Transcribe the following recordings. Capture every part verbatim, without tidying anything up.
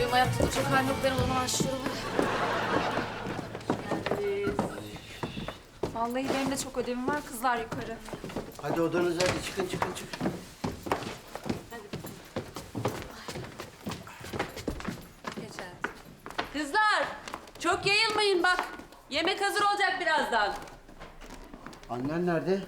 benim ayakta duracak halim yok. Ben o zaman başlıyorum. Vallahi benim de çok ödevim var. Kızlar yukarı. Hadi odanıza hadi çıkın çıkın çıkın. Geç hayatım. Kızlar, çok yayılmayın bak. Yemek hazır olacak birazdan. Annen nerede?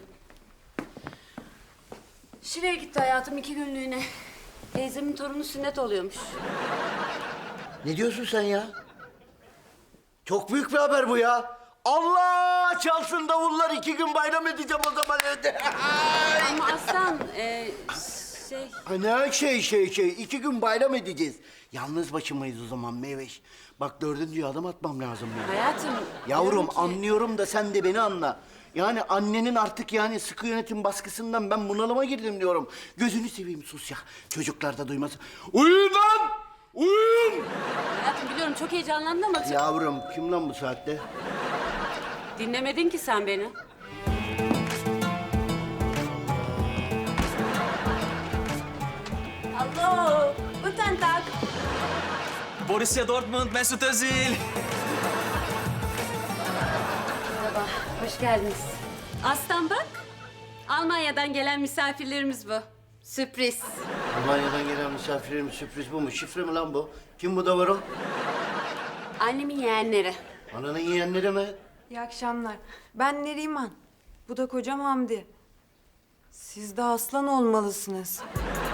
Şile'ye gitti hayatım iki günlüğüne. Teyzemin torunu sünnet oluyormuş. Ne diyorsun sen ya? Çok büyük bir haber bu ya. Allah çalsın davullar, iki gün bayram edeceğim o zaman evde. Ama Aslan, e, şey... Ha, ne şey şey şey, iki gün bayram edeceğiz. Yalnız başımayız o zaman Meyveş. Bak dördüncü adım atmam lazım benim. Hayatım... Yavrum diyorum ki- anlıyorum da sen de beni anla. Yani annenin artık yani sıkı yönetim baskısından ben bunalıma girdim diyorum. Gözünü seveyim sus ya. Çocuklar da duymasın. Uyuyun lan! Uyuyun! Hayatım biliyorum çok heyecanlandın ama... Yavrum kim lan bu saatte? Dinlemedin ki sen beni. Hallo, guten Tag. Borussia Dortmund, Mesut Özil. Merhaba, hoş geldiniz. Aslan bak, Almanya'dan gelen misafirlerimiz bu. Sürpriz. Almanya'dan gelen misafirlerim sürpriz bu mu? Şifre mi lan bu? Kim bu da var o? Annemin yeğenleri. Ananın yeğenleri mi? İyi akşamlar. Ben Neriman. Bu da kocam Hamdi. Siz de aslan olmalısınız.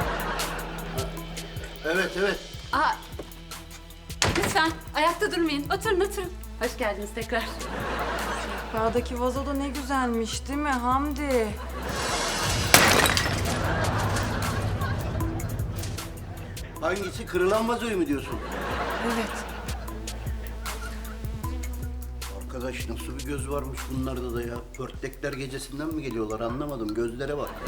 Evet evet. Aa, lütfen ayakta durmayın. Oturun oturun. Hoş geldiniz tekrar. Sehpadaki vazo da ne güzelmiş değil mi Hamdi? Hangisi? Kırılan vazoyu mu diyorsun? Evet. Arkadaş nasıl bir göz varmış bunlarda da ya. Pörtlekler gecesinden mi geliyorlar anlamadım. Gözlere bak.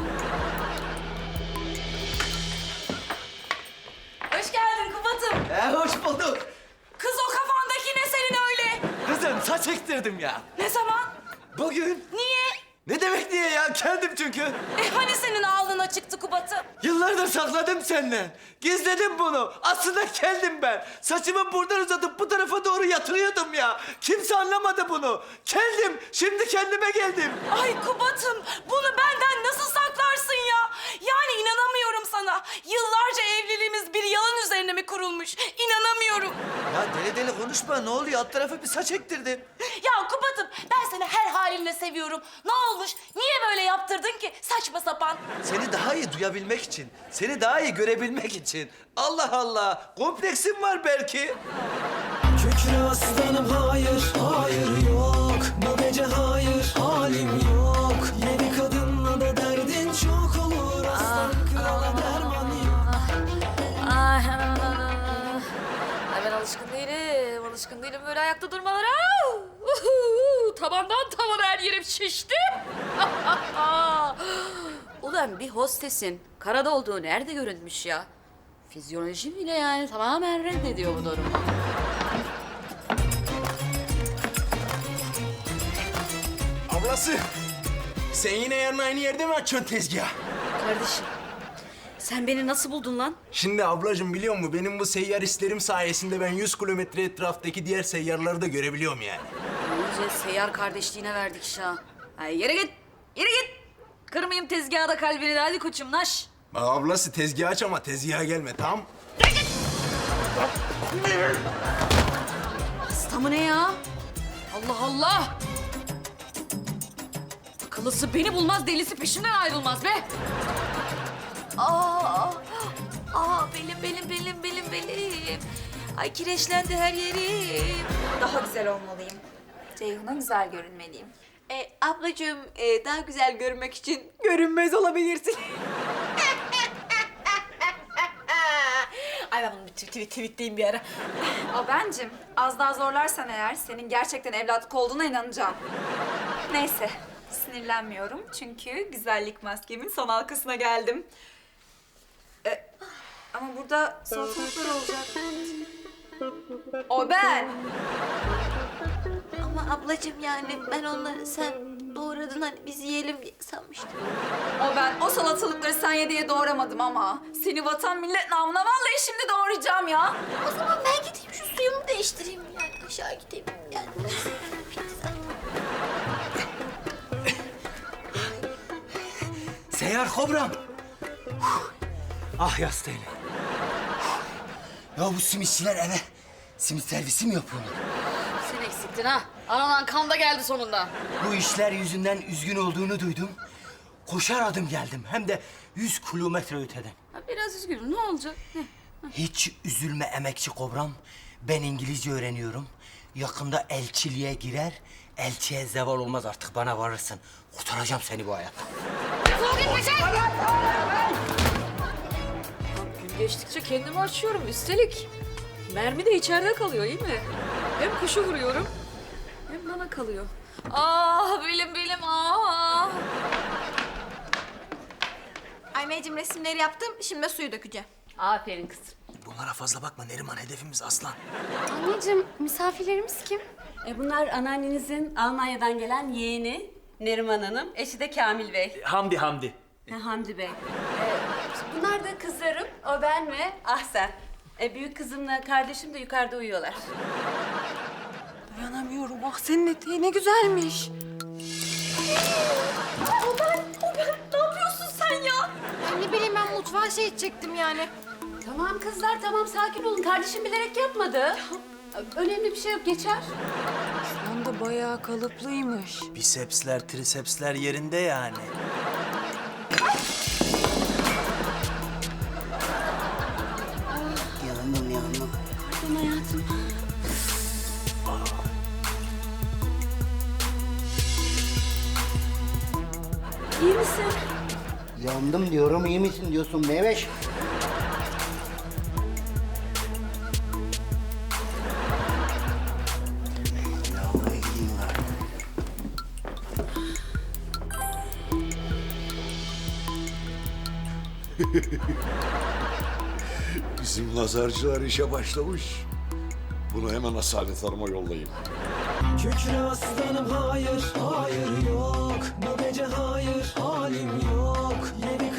Hoş geldin Kubat'ım. E, hoş bulduk. Kız o kafandaki ne senin öyle? Kızım saç ektirdim ya. Ne zaman? Bugün. Niye? Ne demek niye ya? Kendim çünkü. E hani senin alnına çıktı Kubat'ım? Yıllardır sakladım senden. Gizledim bunu. Aslında kendim ben. Saçımı buradan uzatıp bu tarafa doğru yatırıyordum ya. Kimse anlamadı bunu. Kendim. Şimdi kendime geldim. Ay Kubat'ım bunu benden nasıl saklarsın ya? Yani inanamıyorum sana. Yıllarca evliliğimiz bir yalan üzerine mi kurulmuş? İnanamıyorum. Ya deli deli konuşma. Ne oluyor? Alt tarafı bir saç ektirdim. Ya Kubat'ım ben seni her halinle seviyorum. Ne olmuş? Niye böyle yaptırdın ki? Saçma sapan. Seni daha iyi duyabilmek için. Seni daha iyi görebilmek için. Allah Allah. Kompleksim var belki. Kükre aslanım hayır, hayır yok. Bu gece hayır, halim yok. Yedi kadınla da derdin çok olur. Aslan krala derman yok. Ay, ay ben alışkın değilim. Alışkın değilim böyle ayakta durmalara. Uhu, tabandan tavana her yerim şişti. Ulan bir hostesin karada olduğu nerede görünmüş ya? Fizyolojim bile yani tamamen reddediyor bu durumu. Ablası, sen yine yarın aynı yerde mi açıyorsun tezgah? Kardeşim, sen beni nasıl buldun lan? Şimdi ablacığım biliyor musun benim bu seyyar hislerim sayesinde ben yüz kilometre etraftaki diğer seyyarları da görebiliyorum yani. İyice seyyar kardeşliğine verdik şah. Ay yere git, yere git. Kırmayayım tezgahı da kalbini de hadi koçum naş. Bak ablası tezgah aç ama tezgaha gelme tamam? Hasta mı ne ya? Allah Allah! Akıllısı beni bulmaz, delisi peşimden ayrılmaz be! Aa, aa belim, belim, belim, belim, belim. Ay kireçlendi her yerim. Daha güzel olmalıyım. Ceyhun'a güzel görünmeliyim. E, ablacığım, e, daha güzel görünmek için görünmez olabilirsin. Ay ben bunu bir tweet, tweetleyeyim bir ara. O bencim. Az daha zorlarsan eğer senin gerçekten evlatlık olduğuna inanacağım. Neyse. Sinirlenmiyorum çünkü güzellik maskemin son halkasına geldim. Ee, ama burada salatalıklar olacak. O ben. Ama ablacığım yani ben onları sen doğradın hani biz yiyelim diye sanmıştım. O ben o salatalıkları sen ye diye doğramadım ama. Seni vatan millet namına vallahi şimdi doğrayacağım ya. O zaman ben gideyim şu suyumu değiştireyim yani aşağı gideyim yani. Seyyar kobram. Ah yastığıyla. Ya bu simitçiler eve simit servisi mi yapıyorlar? Sen eksiktin ha. Ananan kan da geldi sonunda. Bu işler yüzünden üzgün olduğunu duydum. Koşar adım geldim. Hem de yüz kilometre öteden. Ha, biraz üzgünüm. Ne olacak? Ne? Hiç üzülme emekçi kobram. Ben İngilizce öğreniyorum. Yakında elçiliğe girer. Elçiye zeval olmaz artık bana varırsın. Kurtaracağım seni bu hayattan. Gün geçtikçe kendimi açıyorum. Üstelik mermi de içeride kalıyor iyi mi? Hem kuşu vuruyorum hem bana kalıyor. Ah belim belim ah. Anneciğim resimleri yaptım. Şimdi de suyu dökeceğim. Aferin kızım. Bunlara fazla bakma Neriman, hedefimiz aslan. Anneciğim, misafirlerimiz kim? E bunlar anneannenizin Almanya'dan gelen yeğeni Neriman Hanım, eşi de Kamil Bey. Hamdi Hamdi. Ha, Hamdi Bey. E, bunlar da kızlarım, o ben ve Ahsen. E, büyük kızımla kardeşim de yukarıda uyuyorlar. Dayanamıyorum. Ah senin eteği ne güzelmiş. O ben, o ben. Ne yapıyorsun sen ya? Ne bileyim ben mutfağa şey edecektim yani. Tamam kızlar, tamam sakin olun. Kardeşim bilerek yapmadı. Önemli bir şey yok, geçer. Aslan da bayağı kalıplıymış. Bisepsler, trisepsler yerinde yani. Yandım yandım. Pardon hayatım. İyi misin? Yandım diyorum, iyi misin diyorsun Meveş. Lavaboya gideyim bari. Bizim nazarcılar işe başlamış. Bunu hemen Asalet Hanım'a yollayayım. Kükre aslanım hayır, hayır yok. Bu gece hayır, halim yok. Yedi